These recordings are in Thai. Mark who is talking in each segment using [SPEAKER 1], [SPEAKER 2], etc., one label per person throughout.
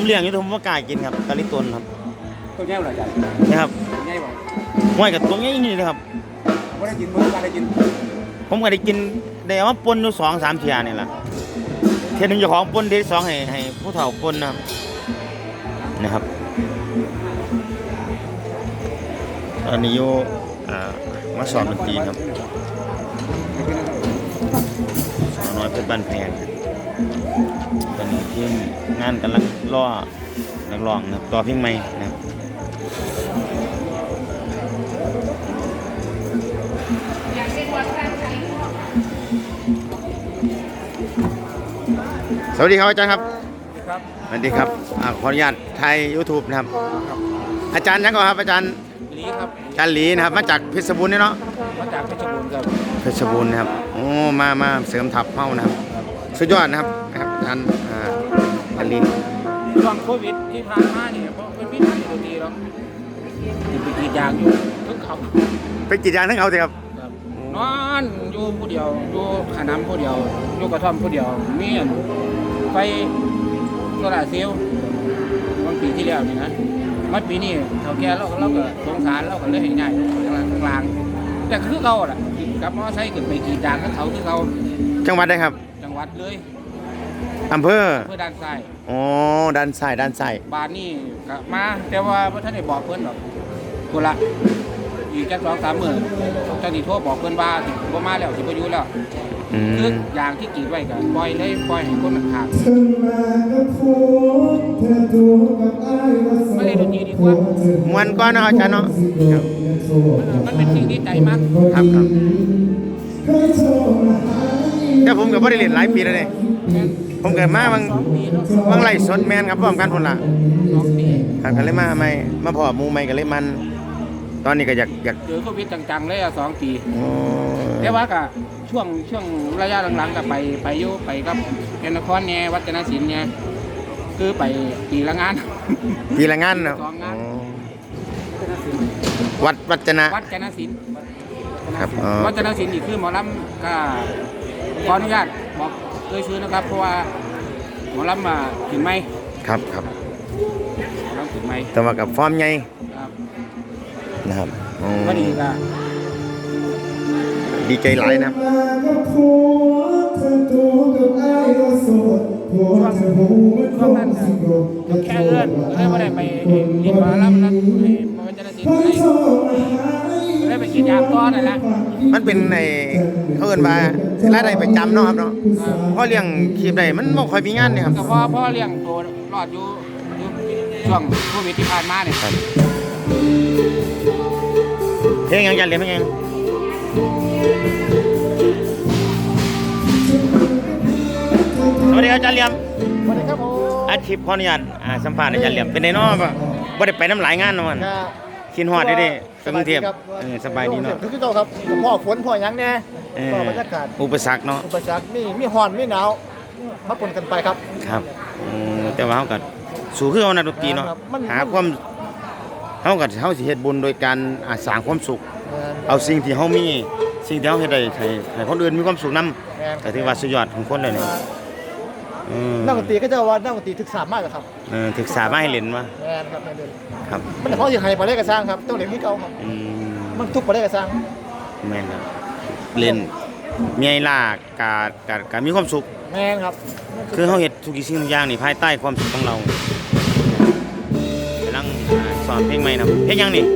[SPEAKER 1] เลี้ยงอยู่แต่ผมไม่กล้ากินครับกะลิตนครับ
[SPEAKER 2] ตัวแง่เหรอจ๊ะ
[SPEAKER 1] นี่ครับ
[SPEAKER 2] แง่บอก
[SPEAKER 1] ห้วยกับตัวนี้นี่นะครับ
[SPEAKER 2] ไม่ได้กินมื้อการได้กิน
[SPEAKER 1] ผมก็ได้กินได้เอามาปนอยู่2-3 เที่ยนี่แหละเที่ยหนึ่งเจ้าของปนที่สองให้ผู้เฒ่าปนนะครับตอนนี้อยู่มาสอนดนตรีครับสาวน้อยเพชรบ้านแพงตอนนี้ทีมงานกำลังล่อนักร้องนะครับต่อเพลงใหม่นะครับสวัสดีครับอาจารย์ครับสวัสดีครับขออนุญาตไทย YouTube นะครับอาจารย์ยังก่อนครับอาจารย์
[SPEAKER 2] ลีครับ
[SPEAKER 1] อาจารย์หลีนะครับมาจากเพชรบูรณ์นี่เนาะ
[SPEAKER 2] มาจากเพชรบูรณ์ครับ
[SPEAKER 1] เพชรบูรณ์นะครับโอ้มาเสริมทัพเฮ้านะครับสุดยอดนะครับอาจารย์อาลี
[SPEAKER 2] ช่วงโควิดที่ผ่านมาเนี่ยเพราะเป็นพิษทางดนตรีหรอกไปกรีดยางอยู่ทึงเขา
[SPEAKER 1] ไปกรีดยางทั้งเขาสิครับ
[SPEAKER 2] นอนอยู่ผู้เดียวอยู่ขนำผู้เดียวอยู่กระท่อมผู้เดียวมีไปโซลาร์เซลล์วันปีที่แล้วนี่นะมันปีนี้เท่าแก่เราก็สงสารเราก็เลยให้ง่ายกลางแต่คือเขาแหละกับมอไซค์ขึ้นไปกรีดยางกับเขาที่เขา
[SPEAKER 1] จังหวัดได้ครับ
[SPEAKER 2] จังหวัดเลย
[SPEAKER 1] อำเภอ
[SPEAKER 2] ด้านซ้าย
[SPEAKER 1] อ๋อด้านซ้าย
[SPEAKER 2] บ้านนี่ก็มาแต่ว่าพระท่านได้บอกเพื่อนหรอกคนละอีกแค่2-3 มื้อเจ้าหนี้โทรบอกเพื่อนว่าบ่มาแล้วสิบ่อยู่แล้วคืออย่างที่กรีดไว้ก็ปล่อยให้คนมันขาดไม่ได้ดนตรีดีกว่าม
[SPEAKER 1] วนก้อนนะอาจารย์เนาะ
[SPEAKER 2] มันเป็นสิ่งที่ใจมาก
[SPEAKER 1] ครับแต่ผมก็บ่ได้เล่นหลายปีแล้วเนี่ยผมเกิดมาบางไล่สดแมนครับพร้อมกันพุ่นล่ะครับก็เลยมาพอหมู่ใหม่ก็เลยมันตอนนี้ก็อยาก
[SPEAKER 2] เจอโควิดจังๆเลย2 ปีแต่ว่าก็ช่วงระยะหลังๆก็ไปอยู่ไปกับแก่นครเนี่ยวัฒนศิลป์เนี่ยคือไปปีละงาน
[SPEAKER 1] เนาะวัฒน
[SPEAKER 2] ศิลป์
[SPEAKER 1] ครับ
[SPEAKER 2] วัฒนศิลป์นี่คือหมอลำก็ขออนุญาตบอกชื่อนะครับเพราะว่าหมอลำมาถึงไหม
[SPEAKER 1] ครับ
[SPEAKER 2] หมอลำถึงไหม
[SPEAKER 1] แต่ว่ากับฟอร์มใหญ่นะครับดีใจหลายนะครับ
[SPEAKER 2] ช่วงนั้นแค่เอื้อนก็ได้ไม่ได้ไปเรียนมาแล้วนั้นมันจะได้ติดได้ไปกินยาก้อนนั่นแหละ
[SPEAKER 1] มันเป็นในเขาเอิ้นว่ารายได้ประจำเนาะครับเนาะเพราะเลี้ยงชีพได้มันบ่ค่อยมีงานเนี่ยครับ
[SPEAKER 2] ก็เพราะเลี้ยงตัวรอดอยู่ช่วงโควิดที่ผ่านมาเนี่ย
[SPEAKER 1] เพลงยังจะเรียนเพลงยังสวัสดีครับอาจารย์เหลี่ยม
[SPEAKER 2] สวัสดีครับผม
[SPEAKER 1] อาชีพขออนุญาตสัมภาษณ์อาจารย์เหลี่ยมเป็นไงเนาะบ่ได้ไปน้ำหลายงานเนาะมันกินฮอดได้กรุงเทพสบายดีเนาะ
[SPEAKER 2] คือเจ้าครับพ่อฝนพ่อหยังแน่พ่อบรรยากาศ
[SPEAKER 1] อุปสรรคเนาะ
[SPEAKER 2] อุปสรรคมีฮ้อนมีหนาวมาปนกันไปครับ
[SPEAKER 1] แต่ว่าเฮาก็สู้คือเอานักดนตรีเนาะหาความเฮาสิเฮ็ดบุญโดยการสร้างความสุขเอาสิ่งที่เฮามีสิ่งที่เฮาเฮ็ดได้ให้คนอื่นมีความสุขนำก็ถือว่าสุดยอดของคนเลยนี่
[SPEAKER 2] นักดนตรีก็จะว่านักดนตรีศึกษามากครับ
[SPEAKER 1] ศึกษามาให้เล่นมาครับ
[SPEAKER 2] มันเขาสิให้บ่ได้ก็สร้างครับต้องเล่นที่เก่าครับมันทุกบ่ได้ก็สร้าง
[SPEAKER 1] แม่นครับเล่นมีไอ้ล่ะก็มีความสุข
[SPEAKER 2] แม่นครับ
[SPEAKER 1] คือเฮาเฮ็ดทุกสิ่งทุกอย่างนี่ภายใต้ความสุขของเรากำลังสอนเพลงใหม่นะเพลงยังนี่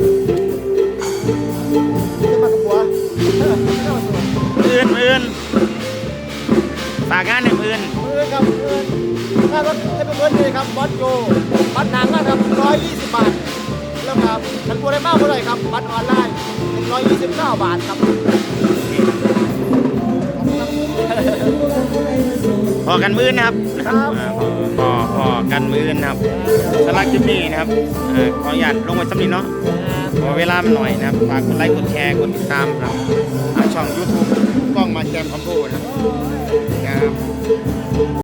[SPEAKER 2] มากับบัว
[SPEAKER 1] อื่นฝากงานในอื่น
[SPEAKER 2] ครับถ้ารถจะเป็นเงินเลยครับบัตรโยบัตรหนังนะครับ120 บาทแล้วครับฉันบัวได้มากเท่าไหร่ครับบัตรออนไลน์129 บาทครับ
[SPEAKER 1] พอกันมื้อนะครับพอกันมื้อนะครับสำหรับคลิปนี้นะครับขออนุญาตลงไว้สำหรับเนาะขอเวลาหน่อยนะครับฝากกดไลค์กดแชร์กดติดตามครับช่อง YouTube กล้องมาแจมคอมโพนะครับ